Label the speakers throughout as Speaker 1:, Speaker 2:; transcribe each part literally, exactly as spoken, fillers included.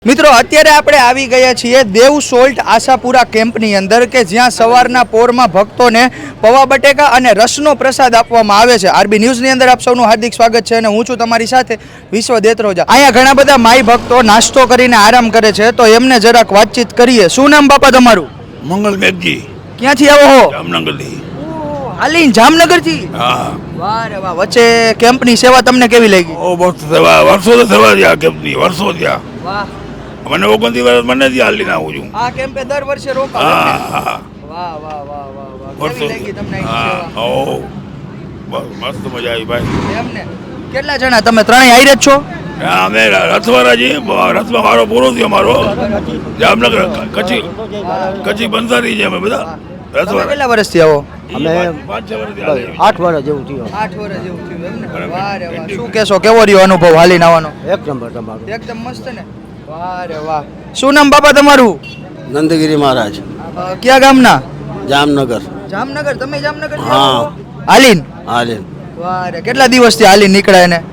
Speaker 1: મિત્રો અત્યારે આપણે આવી ગયા છીએ દેવ સોલ્ટ આશાપુરા કેમ્પની અંદર કે જ્યાં સવારના પોરમાં ભક્તોને પૌવા બટેકા અને રસનો પ્રસાદ આપવામાં આવે છે। આરબી ન્યૂઝની અંદર આપ સૌનું હાર્દિક સ્વાગત છે અને હું છું તમારી સાથે વિશ્વ દેત્રોજા। અહીંયા ઘણા બધા માઈ ભક્તો નાસ્તો કરીને આરામ કરે છે, તો એમને જરાક વાતચીત કરીએ। શું નામ બાપા તમારું?
Speaker 2: મંગલ મેઘજી।
Speaker 1: ક્યાંથી આવો છો?
Speaker 2: જામનગરથી।
Speaker 1: હાલીન જામનગરથી?
Speaker 2: હા।
Speaker 1: વાહ રે વાહ। વચ્ચે કેમ્પની સેવા તમને કેવી લાગી?
Speaker 2: ઓ બહુ સેવા, વર્ષો તો સેવા થયા કેમ્પની, વર્ષો થયા।
Speaker 1: વાહ।
Speaker 2: મને ઓગણત્રીસ વર્ષ મને જ હાલીને આવું છું।
Speaker 1: આ કેમ્પે દર વર્ષે રોકાવ?
Speaker 2: હા હા।
Speaker 1: વાહ વાહ વાહ વાહ વાહ।
Speaker 2: વર્ષો
Speaker 1: કેવી લાગી તમને
Speaker 2: હા
Speaker 1: સેવા?
Speaker 2: ઓ બસ મસ્ત મજા આવી ભાઈ।
Speaker 1: એમને કેટલા જણા તમે? ત્રણેય આયરે જ છો?
Speaker 2: હા, અમે રથવાળા છીએ। રથમાં મારો પૂરો થયો મારો જામનગર કચ્છી કચ્છી બંધારી છે અમે બધા
Speaker 1: તમે
Speaker 2: રથવાળા।
Speaker 1: કેટલા વર્ષથી આવો?
Speaker 2: અમે પાંચ છ વર્ષથી હાલીએ છીએ।
Speaker 3: આઠ વર્ષ જેવું થયું।
Speaker 1: આઠ વર્ષ જેવું થયું એમને? વાહ રે વાહ। શું કહેશો, કેવો રહ્યો અનુભવ હાલીને આવવાનો?
Speaker 3: એક નંબર તમારું।
Speaker 1: એકદમ મસ્ત ને? વાહ રે વાહ। શું નામ બાપા તમારું?
Speaker 3: નંદગીરી મહારાજ,
Speaker 1: અ, કયા ગામના?
Speaker 3: જામનગર।
Speaker 1: જામનગર? તમે જામનગર
Speaker 3: હા।
Speaker 1: હાલીન?
Speaker 3: हालिन
Speaker 1: વાહ રે। કેટલા દિવસથી હાલીન નીકળ્યા એને?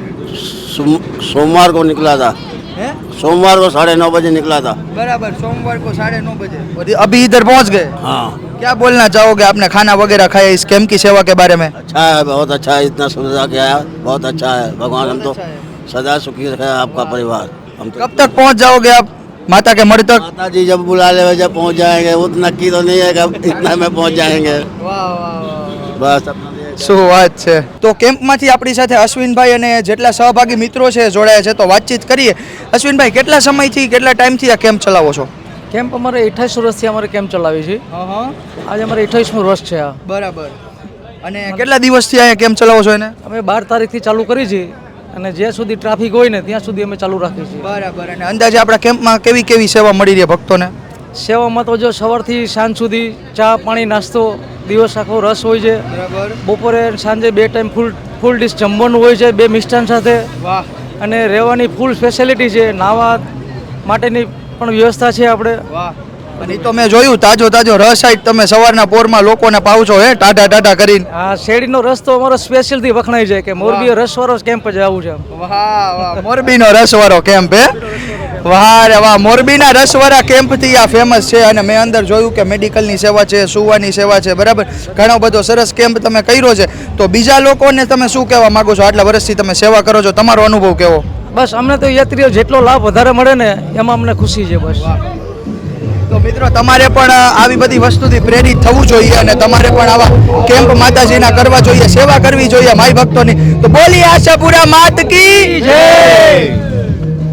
Speaker 3: सोमवार को निकला था।
Speaker 1: હે?
Speaker 3: सोमवार को साढ़े नौ बजे निकला था।
Speaker 1: बराबर। सोमवार को साढ़े नौ बजे और अभी इधर पहुंच गए।
Speaker 3: हाँ।
Speaker 1: क्या बोलना चाहोगे? आपने खाना वगैरह खाया इस कैंप की सेवा के बारे में?
Speaker 3: अच्छा है, बहुत अच्छा है। इतना सुविधा किया है, बहुत अच्छा है। भगवान हम तो
Speaker 1: बहुत अच्छा है।
Speaker 3: सदा सुखी रखे आपका परिवार। हम तो
Speaker 1: कब तक पहुंच जाओगे आप माता के मढ़ तक?
Speaker 3: माता जी जब बुला ले जब पहुंच जाएंगे, उतना की तो नहीं है कि इतना में पहुंच जाएंगे।
Speaker 1: વાહ વાહ વાહ।
Speaker 3: बस अपना
Speaker 1: શું વાત છે। તો કેમ્પમાંથી આપણી સાથે અશ્વિનભાઈ અને જેટલા સહભાગી મિત્રો છે જોડાયા છે, તો વાતચીત કરીએ। અશ્વિનભાઈ, કેટલા સમયથી કેટલા ટાઈમથી આ કેમ્પ ચલાવો છો?
Speaker 4: કેમ્પ અમારે અઠ્ઠાવીસ વર્ષથી અમારે કેમ્પ ચલાવી છે।
Speaker 1: હા
Speaker 4: આજે અમારે અઠ્ઠાવીસમું વર્ષ છે આ।
Speaker 1: બરાબર। અને કેટલા દિવસથી અહીંયા કેમ્પ ચલાવો છો એને?
Speaker 4: અમે બાર તારીખથી ચાલુ કરી છે અને જ્યાં સુધી ટ્રાફિક હોય ને ત્યાં સુધી અમે ચાલુ રાખીએ છીએ।
Speaker 1: બરાબર। અને અંદાજે આપણા કેમ્પમાં કેવી કેવી સેવા મળી રહી ભક્તોને?
Speaker 4: સેવામાં તો જો સવારથી સાંજ સુધી ચા પાણી નાસ્તો, દિવસ આખો રસ હોય છે।
Speaker 1: બરાબર।
Speaker 4: બપોરે સાંજે બે ટાઈમ ફૂલ ફૂલ ડીશ જમવાનું હોય છે, બે મિષ્ટાન સાથે।
Speaker 1: વાહ
Speaker 4: અને રહેવાની ફૂલ ફેસિલિટી છે, નાહવા માટેની પણ વ્યવસ્થા છે આપણે।
Speaker 1: વાહ। અને ઈ તો મેં જોયું, તાજો તાજો રસ સાઈડ તમે સવારના પોરમાં લોકોને પાવશો હે ટાટા ટાટા કરીને?
Speaker 4: આ શેરડીનો રસ તો અમારો સ્પેશિયલથી વખણાય છે કે મોરબી રસવાળો કેમ્પ જ આવું છે।
Speaker 1: વાહ વાહ। મોરબીનો રસવાળો કેમ્પ હે? વાહ રે વાહ। મોરબીના રસવાળા કેમ્પથી આ ફેમસ છે। અને મેં અંદર જોયું કે મેડિકલની સેવા છે, સુવાની સેવા છે, બરાબર। ઘણો બધો સરસ કેમ્પ તમે કર્યો છે। તો બીજા લોકોને તમે શું કહેવા માંગો છો? આટલા વર્ષથી તમે સેવા કરો છો, તમારો અનુભવ કેવો?
Speaker 4: બસ અમને તો યાત્રીઓ જેટલો લાભ વધારે મળે ને એમાં અમને ખુશી છે બસ।
Speaker 1: તો મિત્રો, તમારે પણ આવી બધી વસ્તુથી પ્રેરિત થવું જોઈએ અને તમારે પણ આવા કેમ્પ માતાજીના કરવા જોઈએ, સેવા કરવી જોઈએ માઈ ભક્તોની। તો બોલી આશાપુરા માત કી જય।